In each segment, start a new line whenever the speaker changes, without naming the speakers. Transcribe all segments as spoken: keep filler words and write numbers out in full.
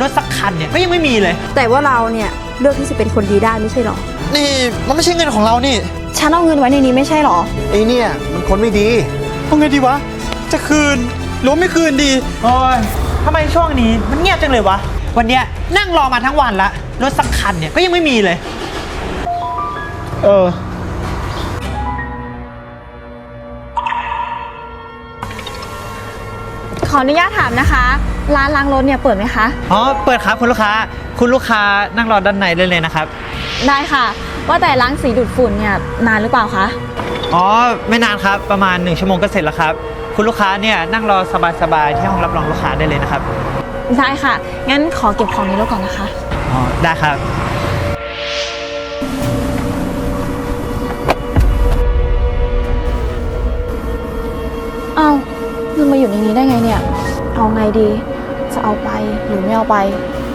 รถสักคันเนี่ยก็ยังไม่มีเลย
แต่ว่าเราเนี่ยเลือกที่จะเป็นคนดีได้ไม่ใช่หรอ
นี่มันไม่ใช่เงินของเรานี่
ฉันเอาเงินไว้ในนี้ไม่ใช่หรอ
ไอ้เนี่ยมันคนไม่ดี
เอาไงดีวะจะคืนหรือไม่คืนดีโอ้ยทำไมช่วงนี้มันเงียบจังเลยวะวันเนี้ยนั่งรอมาทั้งวันละรถสักคันเนี่ยก็ยังไม่มีเลย
เออ
ขออนุญาตถามนะคะร้านล้างรถเนี่ยเปิดไหมคะ
อ๋อเปิดครับคุณลูกค้าคุณลูกค้านั่งรอด้านในได้เลยนะครับ
ได้ค่ะว่าแต่ล้างสีดูดฝุ่นเนี่ยนานหรือเปล่าคะ
อ๋อไม่นานครับประมาณหนึ่งชั่วโมงก็เสร็จแล้วครับคุณลูกค้าเนี่ยนั่งรอสบายๆที่ห้องรับรองลูกค้าได้เลยนะครับ
ได้ค่ะงั้นขอเก็บของในรถก่อนนะคะ
อ๋อได้ครับ
เอาเงินมาอยู่ในนี้ได้ไงเนี่ยเอาไงดีจะเอาไปหรือไม่เอาไป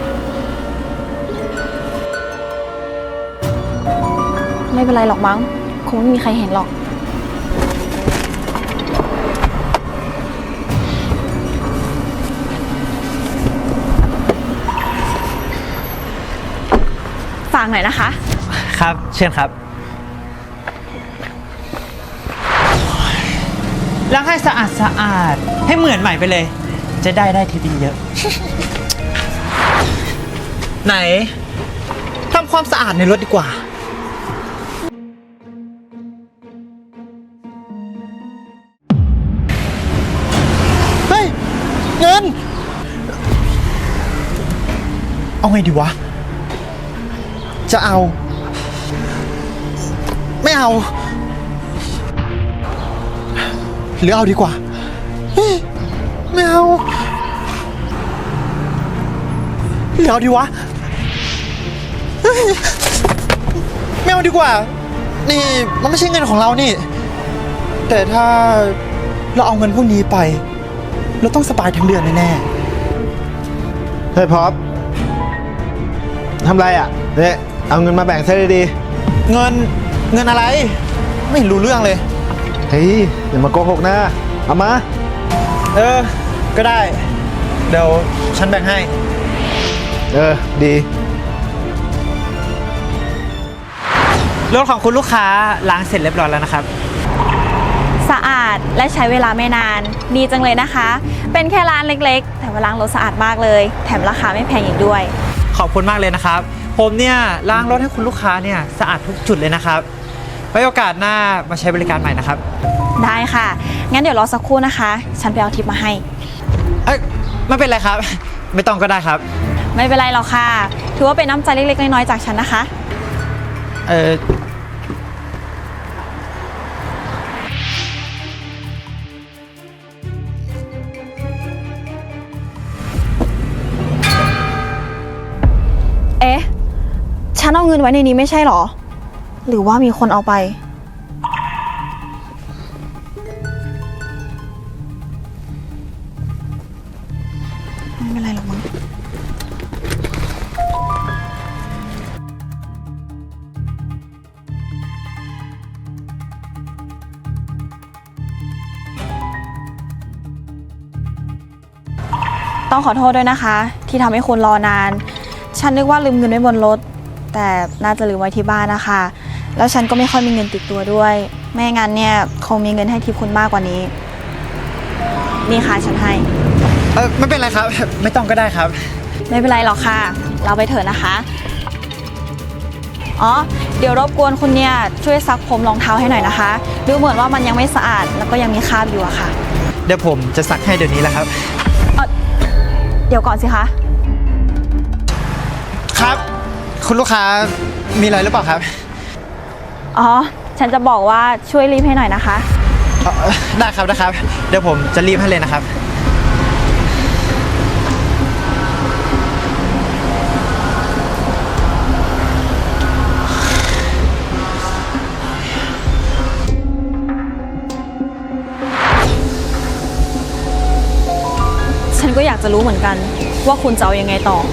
ไม่เป็นไรหรอกมั้งคงไม่มีใครเห็นหรอกฝากหน่อยนะคะ
ครับเชิญครับล้างให้สะอาดสะอาดให้เหมือนใหม่ไปเลยจะได้ได้ทีเยอะ ไหนทำความสะอาดในรถดีกว่าเฮ้ยเงินเอาไงดีวะจะเอาไม่เอาหรือเอาดีกว่าไม่เอาหรือเอาดีวะไม่เอาดีกว่านี่มันไม่ใช่เงินของเรานี่แต่ถ้าเราเอาเงินพวกนี้ไปเราต้องสบายทั้งเดือนแน่
ๆเฮ้ยพอปทำไรอ่ะเนี่ยเอาเงินมาแบ่งซะดี
ๆเงินเงินอะไรไม่รู้เรื่องเลย
เฮ้ยอย่ามาโกหกนะเอามา
เออก็ได้เดี๋ยวฉันแบ่งให้
เออดี
รถของคุณลูกค้าล้างเสร็จเรียบร้อยแล้วนะครับ
สะอาดและใช้เวลาไม่นานดีจังเลยนะคะเป็นแค่ร้านเล็กๆแต่ว่าล้างรถสะอาดมากเลยแถมราคาไม่แพงอีกด้วย
ขอบคุณมากเลยนะครับผมเนี่ยล้างรถให้คุณลูกค้าเนี่ยสะอาดทุกจุดเลยนะครับไว้โอกาสหน้ามาใช้บริการใหม่นะครับ
ได้ค่ะงั้นเดี๋ยวรอสักครู่นะคะฉันไปเอาทิปมาให้
เอ้ยไม่เป็นไรครับไม่ต้องก็ได้ครับ
ไม่เป็นไรหรอกค่ะถือว่าเป็นน้ำใจเล็กๆน้อยๆจากฉันนะคะ
เออ
เอ๊ะฉันเอาเงินไว้ในนี้ไม่ใช่หรอหรือว่ามีคนเอาไปไม่เป็นไรหรอกมั้งต้องขอโทษด้วยนะคะที่ทำให้คุณรอนานฉันนึกว่าลืมเงินไว้บนรถแต่น่าจะลืมไว้ที่บ้านนะคะแล้วฉันก็ไม่ค่อยมีเงินติดตัวด้วยไม่งั้นเนี่ยคงมีเงินให้ทิปคุณมากกว่านี้นี่ค่ะฉันให้
เออไม่เป็นไรครับไม่ต้องก็ได้ครับ
ไม่เป็นไรหรอกค่ะเราไปเถอะนะคะอ๋อเดี๋ยวรบกวนคุณเนี่ยช่วยซักผมรองเท้าให้หน่อยนะคะดูเหมือนว่ามันยังไม่สะอาดแล้วก็ยังมีคราบอยู่อะค่ะ
เดี๋ยวผมจะซักให้เดี๋ยวนี้แหละครับ
เออเดี๋ยวก่อนสิคะ
ครับคุณลูกค้ามีอะไรหรือเปล่าครับ
อ๋อฉันจะบอกว่าช่วยรีบให้หน่อยนะคะ
ได้ครับนะครับเดี๋ยวผมจะรีบให้เลยนะครับ
ฉันก็อยากจะรู้เหมือนกันว่าคุณจะเอายังไงต่อ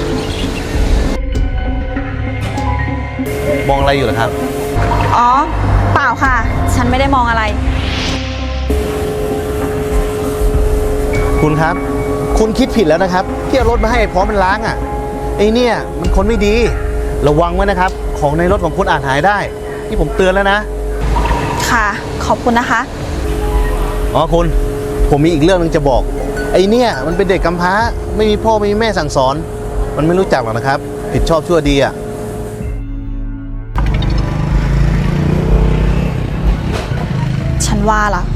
มองอะไรอยู่เหรอครับ
อ๋อเปล่าค่ะฉันไม่ได้มองอะไร
คุณครับคุณคิดผิดแล้วนะครับที่ที่เอารถมาให้ไอ้พร้อมมันล้างอ่ะไอ้เนี่ยมันคนไม่ดีระวังไว้นะครับของในรถของคุณอาจหายได้นี่ผมเตือนแล้วนะ
ค่ะ ขอบคุณนะคะ
อ๋อคุณผมมีอีกเรื่องนึงจะบอกไอ้เนี่ยมันเป็นเด็กกำพร้าไม่มีพ่อไม่มีแม่สั่งสอนมันไม่รู้จักหรอกนะครับผิดชอบชั่วดีอ่ะ
ฉันว่าล่ะ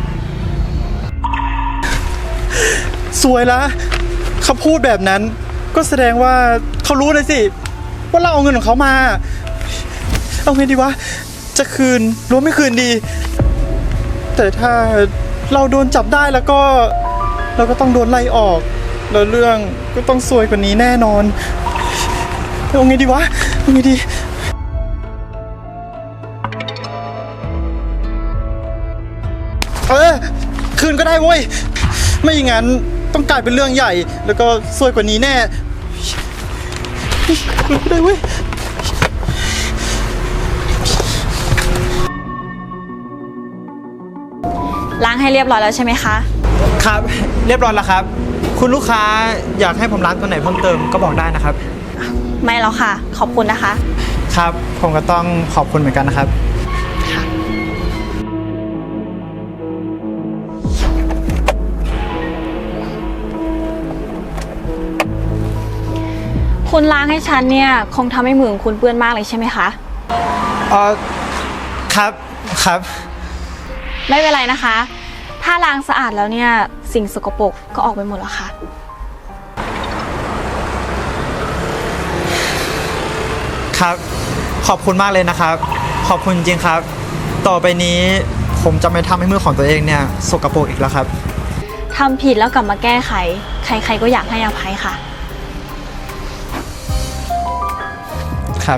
สวยละเขาพูดแบบนั้นก็แสดงว่าเขารู้เลยสิว่าเราเอาเงินของเขามา เอาไงดีวะจะคืนหรือไม่คืนดี แต่ถ้าเราโดนจับได้แล้วก็เราก็ต้องโดนไล่ออกแล้วเรื่องก็ต้องซวยกว่านี้แน่นอนเอาไงดีวะเอาไงดีเออคืนก็ได้เว้ยไม่อย่างนั้นต้องกลายเป็นเรื่องใหญ่แล้วก็ซวยกว่านี้แน่คืนก็ได้เว้ย
ล้างให้เรียบร้อยแล้วใช่ไหมคะ
ครับเรียบร้อยแล้วครับคุณลูกค้าอยากให้ผมล้างตัวไหนเพิ่มเติมก็บอกได้นะครับ
ไม่แล้วค่ะ ขอบคุณนะคะ
ครับผมก็ต้องขอบคุณเหมือนกันนะครับ
คุณล้างให้ฉันเนี่ยคงทำให้มือของคุณเปื้อนมากเลยใช่ไหมคะ
เออครับครับ
ไม่เป็นไรนะคะ ถ้าล้างสะอาดแล้วเนี่ยสิ่งสกปรกก็ออกไปหมดแล้วค่ะ
ครับขอบคุณมากเลยนะครับ ขอบคุณจริงครับ ต่อไปนี้ผมจะไม่ทำให้มือของตัวเองเนี่ยสกปรกอีกแล้วครับ
ทำผิดแล้วกลับมาแก้ไข ใครๆก็อยากให้อภัยค่ะ
ครับ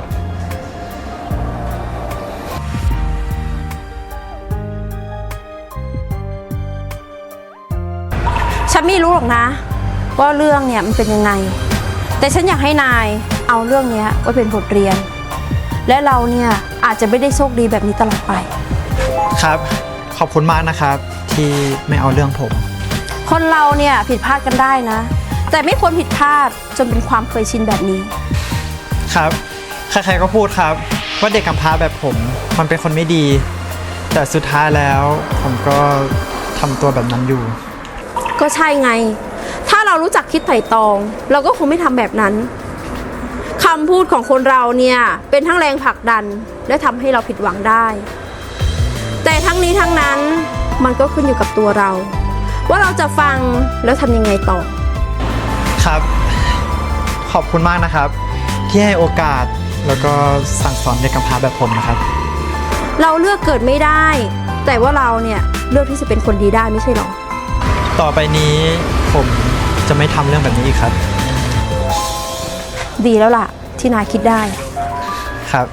ฉันไม่รู้หรอกนะว่าเรื่องเนี่ยมันเป็นยังไงแต่ฉันอยากให้นายเอาเรื่องนี้ไว้เป็นบทเรียนและเราเนี่ยอาจจะไม่ได้โชคดีแบบนี้ตลอดไป
ครับขอบคุณมากนะครับที่ไม่เอาเรื่องผม
คนเราเนี่ยผิดพลาดกันได้นะแต่ไม่ควรผิดพลาดจนเป็นความเคยชินแบบนี้
ครับใครๆก็พูดครับว่าเด็กกำพร้าแบบผมมันเป็นคนไม่ดี แต่สุดท้ายแล้วผมก็ทำตัวแบบนั้นอยู่
ก็ใช่ไงถ้าเรารู้จักคิดไถ่ตรองเราก็คงไม่ทำแบบนั้นคำพูดของคนเราเนี่ยเป็นทั้งแรงผลักดันและทำให้เราผิดหวังได้ แต่ทั้งนี้ทั้งนั้นมันก็ขึ้นอยู่กับตัวเรา ว่าเราจะฟังแล้วทำยังไงต่อ
ครับ ขอบคุณมากนะครับ ที่ให้โอกาสแล้วก็สั่งสอนเด็กกำพร้าแบบผมนะครับ
เราเลือกเกิดไม่ได้ แต่ว่าเราเนี่ยเลือกที่จะเป็นคนดีได้ไม่ใช่หรอ
ต่อไปนี้ผมจะไม่ทำเรื่องแบบนี้อีกครับ
ดีแล้วล่ะที่นายคิดได้
ครับ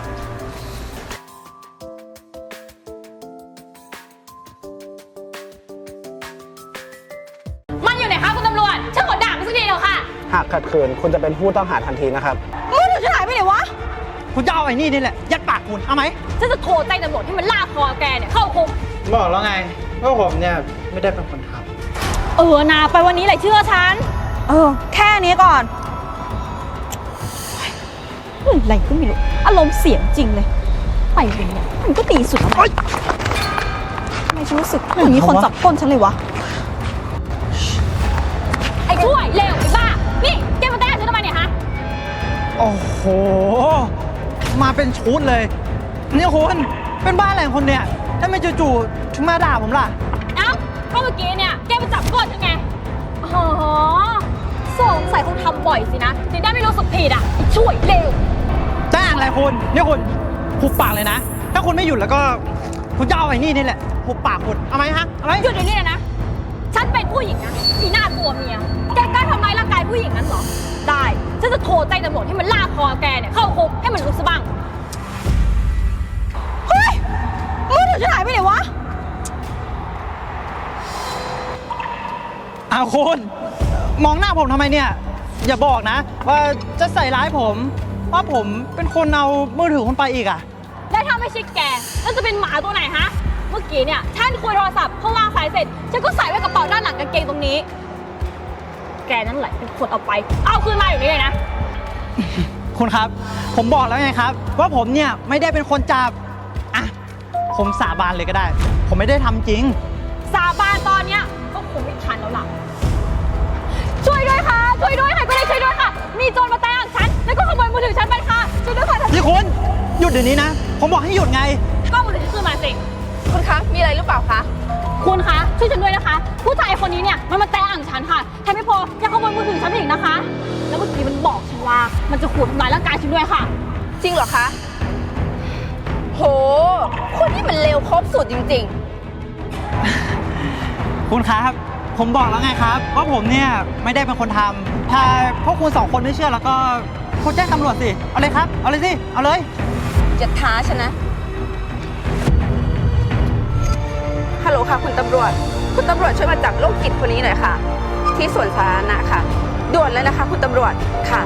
มันอยู่ไหนคะคุณตำรวจช่างกดด่ามันสักทีเถอะค่ะ
หากขัดขืนคุณจะเป็นผู้ต้องหาทันทีนะครับ
มือถือฉันหายไปไหนวะ
คุณจะเอาไอ้นี่นี่แหละยัดปากคุณเอาไหม
ฉันจะโทรแจ้งตำรวจให้มันลากคอแกเนี่ยเข้าคุก
บอกแล้วไงว่าผมเนี่ยไม่ได้เป็นคนท
เออนาไปวันนี้แหละเชื่อฉัน
เออ แค่นี้ก่อน
อะไรก็ไม่รู้ อารมณ์เสียงจริงเลย ไปวันนี้มันก็ตีสุดแล้วไหม
ทำไมฉันรู้สึกเหมือนมีคนจับก้นฉันเลยวะ
ไอ้ช่วยเร็วไอ้บ้า นี่แกมาแต้ฉันทำไมเนี่ยฮะ
ำโอ้โห มาเป็นชุดเลยนี่คุณเป็นบ้าอะไรของคนเนี่ยถ้าไม่จู่ๆถึงมาด่าผมล่ะ
เอ้าก็เมื่อกี้เนี่ยแกไปจับก้นฉันไงอ๋อสงสัยคงทำบ่อยสินะถึงได้ไม่รู้สึกผิดอ่ะไอ้ช่วยเร็ว
จ้างอะไรคุณนี่คุณหุบปากเลยนะ ถ้าคุณไม่หยุดแล้วก็คุณจะเอาไอ้นี่นี่แหละหุบปากคุณเอาไหมฮะเอาไหม
หยุดเดี๋ยวนี้เลยนะ ฉันเป็นผู้หญิงนะอีหน้าตัวเมีย แกกล้าทำร้ายร่างกายผู้หญิงนั้นเหรอ ได้ ฉันจะโทรแจ้งตำรวจให้มันลากคอแกเนี่ยเข้าคุกให้มันรู้ซะบ้าง
เฮ้ย มือถือฉันหายไปไหนวะ
เอาคุณมองหน้าผมทำไมเนี่ย อย่าบอกนะ ว่าจะใส่ร้ายผมว่าผมเป็นคนเอามือถือคุณไปอีกอ่ะ
แล้วถ้าไม่ใช่แกแล้วจะเป็นหมาตัวไหนฮะ เมื่อกี้เนี่ยฉันคุยโทรศัพท์พอวางสายเสร็จ ฉันก็ใส่ไว้กระเป๋าด้านหลังกางเกงตรงนี้แกนั่นแหละเป็นคนเอาไป เอาคืนมาอยู่นี่เลยนะ
คุณครับ ผมบอกแล้วไงครับ ว่าผมเนี่ยไม่ได้เป็นคนจับอ่ะผมสาบานเลยก็ได้ ผมไม่ได้ทำจริง
สาบานตอนเนี้ยก็คงไม่ทันแล้วล่ะ ช่วยด้วยค่ะ ช่วยด้วยค่ะก็ได้ช่วยด้วยค่ะ มีโจรมาแตะฉัน แล้วก็ขโมยมือถือฉันไปค่ะ ช่วยด้วยค่ะ
นี่คุณหยุดเดี๋ยวนี้นะ ผมบอกให้หยุดไง
ก็มือถือฉันคืนมาสิ
คุณคะ มีอะไรหรือเปล่าคะ
คุณคะ ช่วยฉันด้วยนะคะ ผู้ชายคนนี้เนี่ยมันมาแตะอ่างฉันค่ะแถมไม่พอยังขโมยมือถือฉันอีกนะคะ แล้วเมื่อกี้มันบอกฉันว่ามันจะขู่ทำร้ายร่างกายฉันด้วยค่ะ
จริงเหรอคะ โห คนที่มันเลวครบสุดจริงๆ
คุณครับ ผมบอกแล้วไงครับว่าผมเนี่ยไม่ได้เป็นคนทำถ้าพวกคุณสองคนไม่เชื่อแล้วก็คุณแจ้งตำรวจสิ เอาเลยครับ เอาเลยสิ เอาเลย
จะท้าฉันนะ ฮัลโหลค่ะคุณตำรวจ คุณตำรวจช่วยมาจับโรคจิตคนนี้หน่อยค่ะ ที่สวนสาธารณะค่ะ ด่วนเลยนะคะ คุณตำรวจ ค่ะ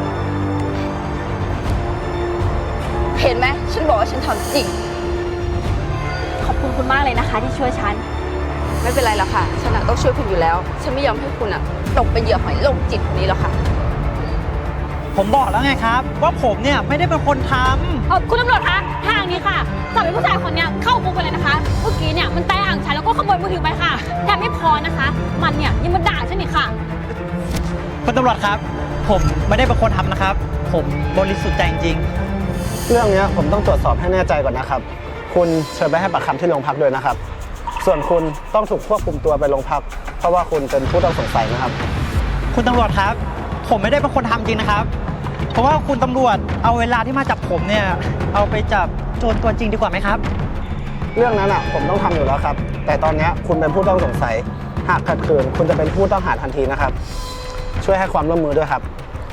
เห็นไหม ฉันบอกว่าฉันทำจริง
ขอบคุณคุณมากเลยนะคะที่ช่วยฉัน
ไม่เป็นไรหรอกค่ะ ฉันน่ะต้องช่วยคุณอยู่แล้ว ฉันไม่ยอมให้คุณอ่ะตกเป็นเหยื่อของไอ้โรคจิตคนนี้หรอกค่ะ
ผมบอกแล้วไงครับ ว่าผมเนี่ยไม่ได้เป็นคนทำ
เอ่อคุณตำรวจคะทางนี้ค่ะจับไอ้ผู้ชายคนเนี้ยเข้าคุกไปเลยนะคะ เมื่อกี้เนี่ยมันแตะอ่างฉันแล้วก็ขโมยมือถือไปค่ะแถมไม่พอนะคะ มันเนี่ยยังมาด่าฉันอีกค่ะ
คุณตำรวจครับ ผมไม่ได้เป็นคนทำนะครับ ผมบริสุทธิ์ใจจริง
เรื่องนี้ผมต้องตรวจสอบให้แน่ใจก่อนนะครับ คุณเชิญไปให้ปากคำที่โรงพักด้วยนะครับ ส่วนคุณต้องถูกควบคุมตัวไปโรงพัก เพราะว่าคุณเป็นผู้ต้องสงสัยนะครับ
ๆคุณตำรวจครับ ผมไม่ได้เป็นคนทำจริงนะครับ เพราะว่าคุณตำรวจเอาเวลาที่มาจับผมเนี่ยเอาไปจับโจรตัวจริงดีกว่าไหมครับ
เรื่องนั้นอ่ะผมต้องทำอยู่แล้วครับ แต่ตอนนี้คุณเป็นผู้ต้องสงสัย หากขัดขืนคุณจะเป็นผู้ต้องหาทันทีนะครับ ช่วยให้ความร่วมมือด้วยครับ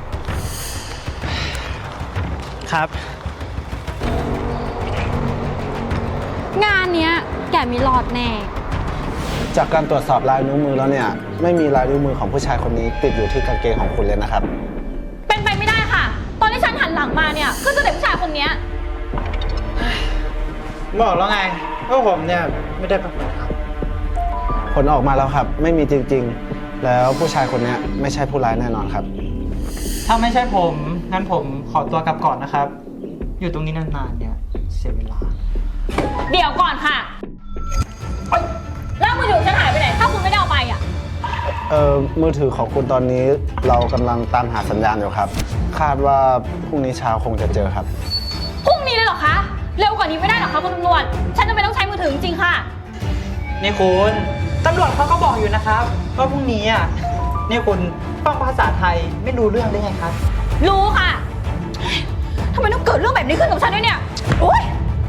ครับ
งานเนี้ยแกมีรอดแน่
จากการตรวจสอบลายนิ้วมือแล้วเนี่ยไม่มีลายนิ้วมือของผู้ชายคนนี้ติดอยู่ที่กางเกงของคุณเลยนะครับ
เป็นไปไม่ได้ค่ะ ตอนที่ฉันหันหลังมาเนี่ยก็เจอแต่ผู้ชายคนเนี้ย
บอกแล้วไงว่าผมเนี่ยไม่ได้เป็นคนท
ผลออกมาแล้วครับ ไม่มีจริงๆ แล้วผู้ชายคนนี้ไม่ใช่ผู้ร้ายแน่นอนครับ
ำถ้าไม่ใช่ผม งั้นผมขอตัวกลับก่อนนะครับ อยู่ตรงนี้นานๆเนี่ยเสียเวลา
เดี๋ยวก่อนค่ะเอ้ยแล้วมือถือฉันหายไปไหน ถ้าคุณไม่ได้เอาไปอ่ะ
เอ่อมือถือของคุณตอนนี้เรากำลังตามหาสัญญาณอยู่ครับ คาดว่าพรุ่งนี้เช้าคงจะเจอครับ
พรุ่งนี้เลยเหรอคะ เร็วกว่านี้ไม่ได้เหรอคะคุณตำรวจ ฉันจะไม่ต้องใช้มือถือจริงๆค่ะ
นี่คุณตำรวจเขาก็บอกอยู่นะครับว่าพรุ่งนี้อ่ะนี่คุณฟังภาษาไทยไม่รู้เรื่องได้ไงครับ
รู้ค่ะทำไมต้องเกิดเรื่องแบบนี้ขึ้นกับฉันด้วยเนี่ย โอ๊ย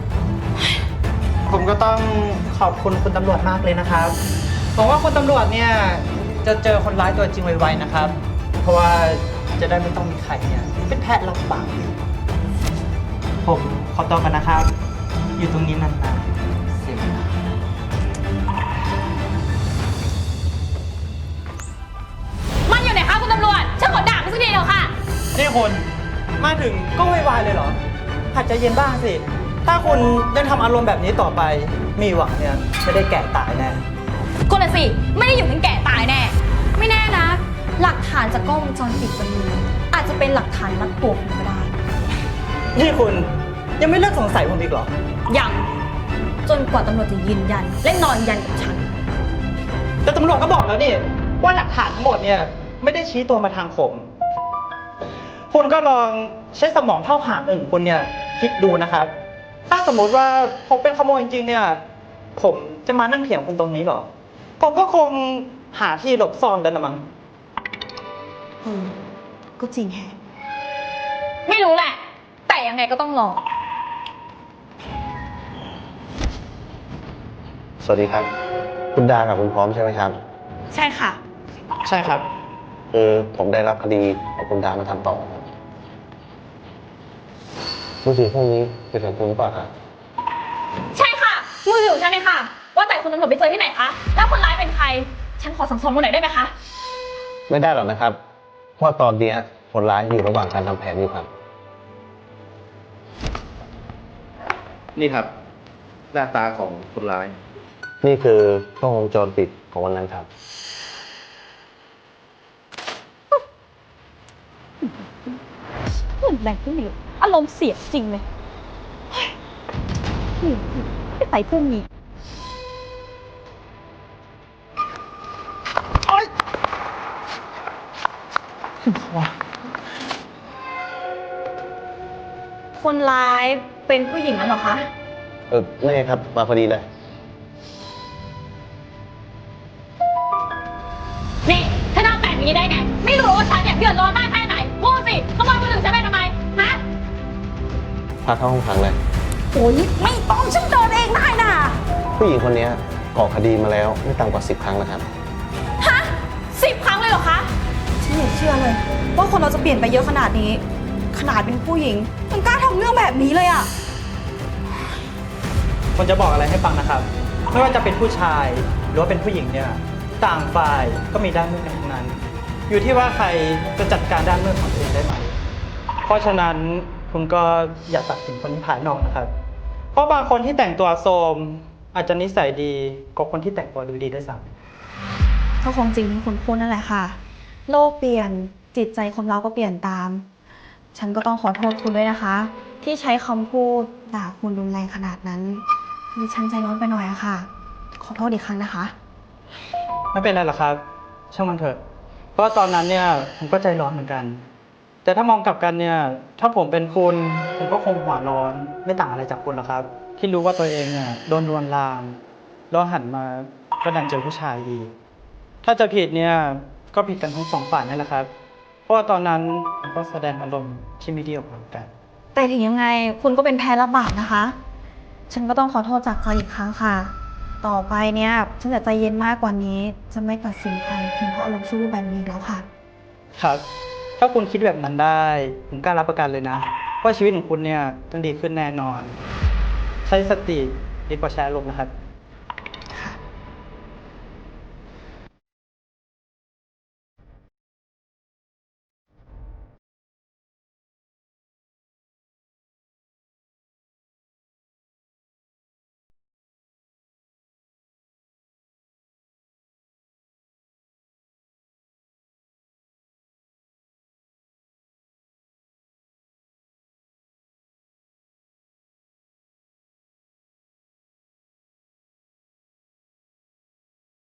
ผมก็ต้องขอบคุณคุณตำรวจมากเลยนะครับผมว่าคุณตำรวจเนี่ยจะเจอคนร้ายตัวจริงไวๆนะครับ เพราะว่าจะได้ไม่ต้องมีใครเนี่ยเป็นแพะรับบาปผมขอตัวกันนะครับ อยู่ตรงนี้นานๆเสียเวลา
มันอยู่ไหนคะคุณตำรวจ ฉันขอด่ามันสักทีเดียวค่ะ
นี่คุณมาถึงก็ไวๆเลยเหรอหัดใจเย็นบ้างสิ ถ้าคุณยังทำอารมณ์แบบนี้ต่อไป มีหวังเนี่ยไม่ได้แก่ตายแน่
คนละสิ ไม่ได้อยู่ถึงแก่ตายแน่ ไม่แน่นะ หลักฐานจากกล้องวงจรปิดบนมืออาจจะเป็นหลักฐานมัดตัวคุณก็ได้
นี่คุณยังไม่เลิกสงสัยผมอีกเหรอ
ยังจนกว่าตำรวจจะยืนยัน และนอนยันกับฉัน
แต่ตำรวจก็บอกแล้วนี่ว่าหลักฐานทั้งหมดเนี่ยไม่ได้ชี้ตัวมาทางผม คุณก็ลองใช้สมองเท่าหางหนึ่งคุณเนี่ยคิดดูนะครับ ถ้าสมมุติว่าผมเป็นขโมยจริงๆเนี่ยผมจะมานั่งเถียงคุณตรงนี้เหรอ ผมก็คงหาที่หลบซ่อนแล้วนะมั้ง
อืม ก็จริงแฮะ
ไม่รู้แหละ แต่ยังไงก็ต้องรอ
สวัสดีครับ คุณดากับคุณพร้อมใช่ไหมครับ
ใช่ค่ะ
ใช่ครับ
คือผมได้รับคดีของคุณดามาทำต่อครับมือถือพวกนี้เป็นของคุณหรือเปล่าครับ
ใช่ค่ะ มือถือของฉันเองค่ะ ว่าแต่คุณตำรวจไปเจอที่ไหนคะ แล้วคนร้ายเป็นใคร ฉันขอสั่งสอนคนไหนอยได้ไหมคะ
ไม่ได้หรอกนะครับ เพราะตอนนี้คนร้ายอยู่ระหว่างการทำแผนอยู่ครับ
นี่ครับ หน้าตาของคนร้าย
นี่คือกล้องวงจรปิดของวันนั้นครับ
เหมือนแรงที่เหนียวอารมณ์เสียจริงเลยเฮ้ยนี่ไม่ใส่พวกนี้
คนร้ายเป็นผู้หญิงนั่นเหรอคะ
เออไม่ครับมาพอดีเลย
นี่เธอทำแบบนี้ได้ไง ไม่รู้ว่าฉันเนี่ยเดือดร้อนมากแค่ไหน พูดสิขโมยมือถือฉันไปทำไม ฮะ
พาเข้าห้องขังเลย
โอ้ยไม่ต้องฉันเดินเองได้น่ะ
ผู้หญิงคนนี้ก่อคดีมาแล้วไม่ต่ำกว่าสิบครั้งแล้วครับ
ฮะสิบครั้งเลยเหรอคะ
ฉันไม่เชื่อเลย ว่าคนเราจะเปลี่ยนไปเยอะขนาดนี้ ขนาดเป็นผู้หญิงยังกล้าทำเรื่องแบบนี้เลยอะ
ผมจะบอกอะไรให้ฟังนะครับ ไม่ว่าจะเป็นผู้ชายหรือว่าเป็นผู้หญิงเนี่ย ต่างฝ่ายก็มีด้านมืดกันทั้งนั้น อยู่ที่ว่าใครจะจัดการด้านมืดของตัวเองได้ไหม เพราะฉะนั้นคุณก็อย่าตัดสินคนภายนอกนะครับ เพราะบางคนที่แต่งตัวโทรมอาจจะนิสัยดีกว่าคนที่แต่งตัวดูดีด้วยซ้ำ
ก็คงจริงที่คุณพูดนั่นแหละค่ะ โลกเปลี่ยนจิตใจคนเราก็เปลี่ยนตาม ฉันก็ต้องขอโทษคุณด้วยนะคะ ที่ใช้คำพูดด่าคุณรุนแรงขนาดนั้นดิฉันใจร้อนไปหน่อยอะค่ะ ขอโทษอีกครั้งนะคะ
ไม่เป็นไรหรอกครับ ช่างมันเถอะ เพราะว่าตอนนั้นเนี่ยผมก็ใจร้อนเหมือนกัน แต่ถ้ามองกลับกันเนี่ย ถ้าผมเป็นคุณผมก็คงหัวร้อนไม่ต่างอะไรจากคุณหรอกครับ ที่รู้ว่าตัวเองเนี่ยโดนลวนลามแล้วหันมาก็ดันเจอผู้ชายอีก ถ้าจะผิดเนี่ยก็ผิดกันทั้งสองฝ่ายนั่นแหละครับ เพราะว่าตอนนั้นผมก็แสดงอารมณ์ที่ไม่ดีออกมากัน
แต่ถึงยังไงคุณก็เป็นแพ้รับบาปนะคะ ฉันก็ต้องขอโทษจากใจอีกครั้งค่ะ ต่อไปเนี่ยฉันจะใจเย็นมากกว่านี้ จะไม่ตัดสินใครเพียงเพราะอารมณ์ชั่ววูบแบบนี้อีกแล้วค่ะ
ครับ ถ้าคุณคิดแบบนั้นได้ ผมกล้ารับประกันเลยนะ ว่าชีวิตของคุณเนี่ยต้องดีขึ้นแน่นอน ใช้สติดีกว่าใช้อารมณ์นะครับ